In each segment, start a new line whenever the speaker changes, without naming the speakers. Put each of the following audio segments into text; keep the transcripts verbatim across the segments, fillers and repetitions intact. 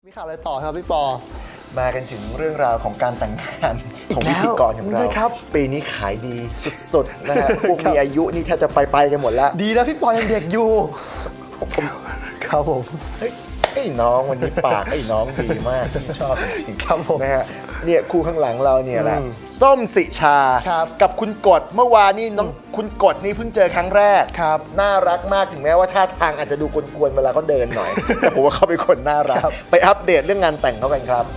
มีข่าวอะไรต่อครับพี่ปอ
มากันถึงเรื่องราวของการแต่งงานของพิธีกรของเราครับปีนี้ขายดีสุดๆนะฮะพวกมีอายุนี่แทบจะไปไปกันหมดแล้ว
ดีนะพี่ปอยังเด็กอยู่ครับผม
เฮ้ยไอ้น้องวันนี้ปากไอ้น้องดีมากชอบจริงครับผมนะฮะเนี่ยคู่ข้างหลังเราเนี่ยแหละส้มสิชากับคุณกฎเมื่อวานนี้น้องคุณกฎนี่เพิ่งเจอครั้งแรกครับน่ารักมากถึงแม้ว่าท่าทางอาจจะดูกวนๆเวลาเขาเดินหน่อยแต่ผมว่าเขาเป็นคนน่ารักไปอัปเดตเรื่องงานแต่งเขากันครับ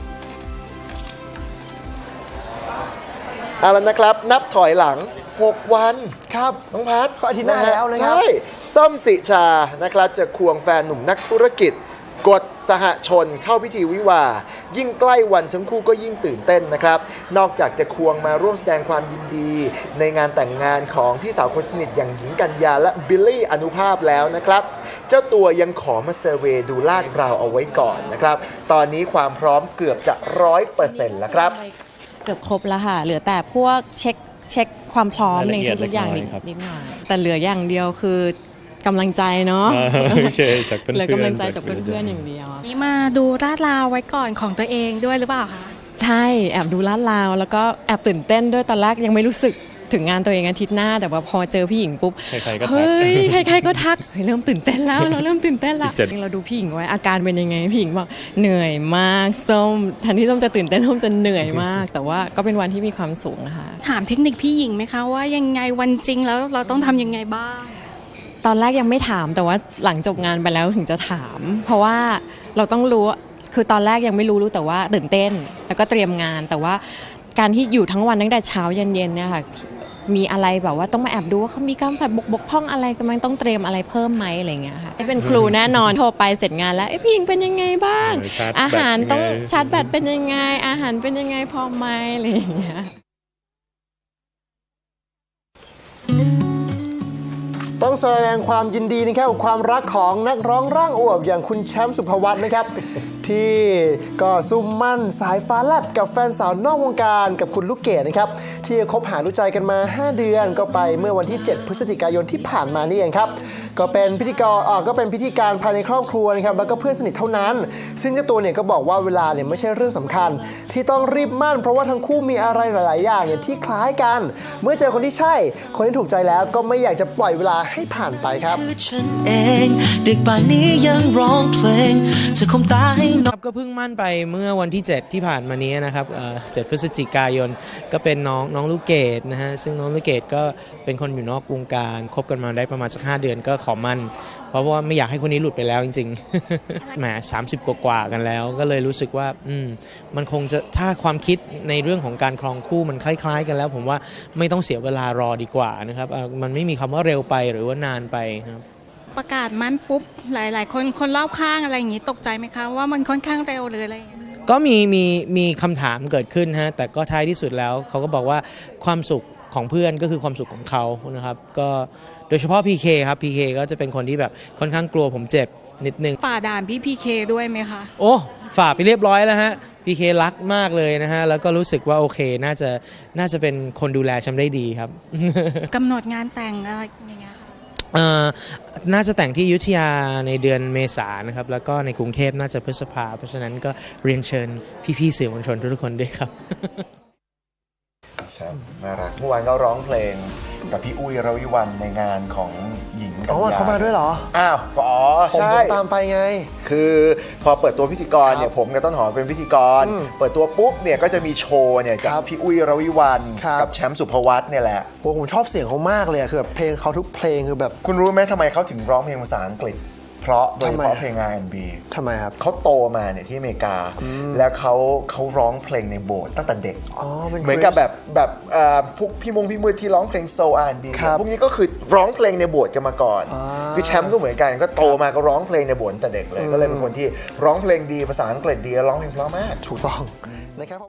เอาละนะครับนับถอยหลังหกวันครับน้องพัท
อาทิตย์หน้าแล้วนะครับ
ใช่ส้มสิชานะครับจะควงแฟนหนุ่มนักธุรกิจกฎสหชนเข้าพิธีวิวาห์ยิ่งใกล้วันทั้งคู่ก็ยิ่งตื่นเต้นนะครับนอกจากจะควงมาร่วมแสดงความยินดีในงานแต่งงานของพี่สาวคนสนิทอย่างหญิงกัญญาและบิลลี่อนุภาพแล้วนะครับเจ้าตัวยังขอมาเซอร์เวย์ดูลาดราวเอาไว้ก่อนนะครับตอนนี้ความพร้อมเกือบจะร้อยเปอร์เซ็นต์แล้วครับ
เกือบครบแล้วค่ะเหลือแต่พวกเช็คเช็คความพร้อมในทุกอย่างนิดนิดหน่อยแต่เหลืออย่างเดียวคือกำลังใจเนาะ
โอเคจากเพื่อนๆเหลื
อกำลังใจจากเพื่อนๆอย่างเดียว
นี่มาดูลาดราวไว้ก่อนของตัวเองด้วยหรือเปล่าคะ
ใช่แอบดูลาดราวแล้วก็แอบตื่นเต้นด้วยตอนแรกยังไม่รู้สึกถึงงานตัวเองอาทิตย์หน้าแต่ว่าพอเจอพี่หญิงปุ๊บเฮ้ยใครๆก็ทักเริ่มตื่นเต้นแล้วเราเริ่มตื่นเต้นแล้วเราดูพี่หญิงไว้อาการเป็นยังไงพี่หญิงบอกเหนื่อยมากส้มทันที่ส้มจะตื่นเต้นส้มจะเหนื่อยมากแต่ว่าก็เป็นวันที่มีความสุขนะคะ
ถามเทคนิคพี่หญิงไหมคะว่ายังไงวันจริงแล้วเราต้องทำยังไงบ้าง
ตอนแรกยังไม่ถามแต่ว่าหลังจบงานไปแล้วถึงจะถามเพราะว่าเราต้องรู้คือตอนแรกยังไม่รู้รู้แต่ว่าตื่นเต้นแล้วก็เตรียมงานแต่ว่าการที่อยู่ทั้งวันตั้งแต่เช้าเย็นๆเนี่ยค่ะมีอะไรแบบว่าต้องมาแอบดูว่าเขามีการผัดบกบกพร่องอะไรกำลังต้องเตรียมอะไรเพิ่มไหมอะไรเงี้ยค่ะเป็นครูแน่นอนโทรไปเสร็จงานแล้วพี่หญิงเป็นยังไงบ้างอาหารต้องชาร์จแบตเป็นยังไงอาหารเป็นยังไงพอไหมอะไรอย่างเงี้ย
ต้องแสดงความยินดีนะครับกับความรักของนักร้องร่างอวบอย่างคุณแชมป์สุภวัฒน์นะครับที่ก็ซุ่มมั่นสายฟ้าแลบกับแฟนสาวนอกวงการกับคุณลูกเกดนะครับที่คบหาดูใจกันมาห้าเดือนก็ไปเมื่อวันที่เจ็ดพฤศจิกายนที่ผ่านมานี่เองครับก็เป็นพิธีกรอ่าก็เป็นพิธีการภายในครอบครัวนะครับแล้วก็เพื่อนสนิทเท่านั้นซึ่งเจ้าตัวเนี่ยก็บอกว่าเวลาเนี่ยไม่ใช่เรื่องสำคัญที่ต้องรีบมั่นเพราะว่าทั้งคู่มีอะไรหลายๆอย่างเนี่ยที่คล้ายกันเมื่อเจอคนที่ใช่คนที่ถูกใจแล้วก็ไม่อยากจะปล่อยเวลาให้ผ่านไปครับ
ฉันเองดึกป่านนี้ยังร้องเพลงจะคมตาให้น้อง
ก็เพิ่งมั่นไปเมื่อวันที่เจ็ดที่ผ่านมานี้นะครับเจ็ดพฤศจิกายนก็เป็นน้องน้องลูกเกดนะฮะซึ่งน้องลูกเกดก็เป็นคนอยู่นอกวงการคบกันมาได้ประมาณสักห้าเดือนก็ขอมั่นเพราะว่าไม่อยากให้คนนี้หลุดไปแล้วจริงๆแหมสามสิบกว่าๆกันแล้วก็เลยรู้สึกว่าอืมมันคงจะถ้าความคิดในเรื่องของการครองคู่มันคล้ายๆกันแล้วผมว่าไม่ต้องเสียเวลารอดีกว่านะครับมันไม่มีคำว่าเร็วไปหรือว่านานไปครับ
ประกาศมั่นปุ๊บหลายๆคนคนรอบข้างอะไรอย่างนี้ตกใจไหมคะว่ามันค่อนข้างเร็วหรืออะไร
ก็มีมีมีคำถามเกิดขึ้นฮะแต่ก็ท้ายที่สุดแล้วเขาก็บอกว่าความสุขของเพื่อนก็คือความสุขของเขานะครับก็โดยเฉพาะ พี เค ครับ พี เค ก็จะเป็นคนที่แบบค่อนข้างกลัวผมเจ็บนิดนึง
ฝ่าด่านพี่ พี เค ด้วยไหมคะ
โอ้ฝ่าไปเรียบร้อยแล้วฮะ พี เค รักมากเลยนะฮะแล้วก็รู้สึกว่าโอเคน่าจะน่าจะเป็นคนดูแลฉันได้ดีครับ
กำหนดงานแต่งอะไรอย่างเงี้ย
น่าจะแต่งที่อยุธยาในเดือนเมษายนนะครับแล้วก็ในกรุงเทพน่าจะพฤษภาเพราะฉะนั้นก็เรียนเชิญพี่ๆสื่อมวลชนทุกคนด้วยครับ
ใช่น่ารักเมื่อวานก็ร้องเพลงกับพี่อุ้ยระวิวรรณในงานของหญิงกัญญา
อ๋อเขามาด้วยเหรอ
อ้าวอ๋อใช่
ผมตามไปไง
คือพอเปิดตัวพิธีกรเนี่ยผมกับต้นหอมเป็นพิธีกรเปิดตัวปุ๊บเนี่ยก็จะมีโชว์เนี่ยจากพี่อุ้ยระวิวรรณกับแชมป์สุภวัฒน์เนี่ยแหละ
โอ้ผมชอบเสียงเขามากเลยคือแบบเพลงเขาทุกเพลงคือแบบ
คุณรู้ไหมทำไมเขาถึงร้องเพลงภาษาอังกฤษเพราะโดยเฉพาะเพลง อาร์ แอนด์ บี
ทำไมครับ
เขาโตมาเนี่ยที่อเมริกาแล้วเขาเขาร้องเพลงในโบสถ์ตั้งแต่เด็กเหมือนกับแบบแบบพวกพี่มงพี่มือที่ร้องเพลงโซล อาร์ แอนด์ บี พวกนี้ก็คือร้องเพลงในโบสถ์กันมาก่อนคือแชมป์ก็เหมือนกันก็โตมาก็ร้องเพลงในโบสถ์แต่เด็กเลยก็เลยเป็นคนที่ร้องเพลงดีภาษาอังกฤษดีร้องเพลงเพราะมาก
ถูกต้องนะครับ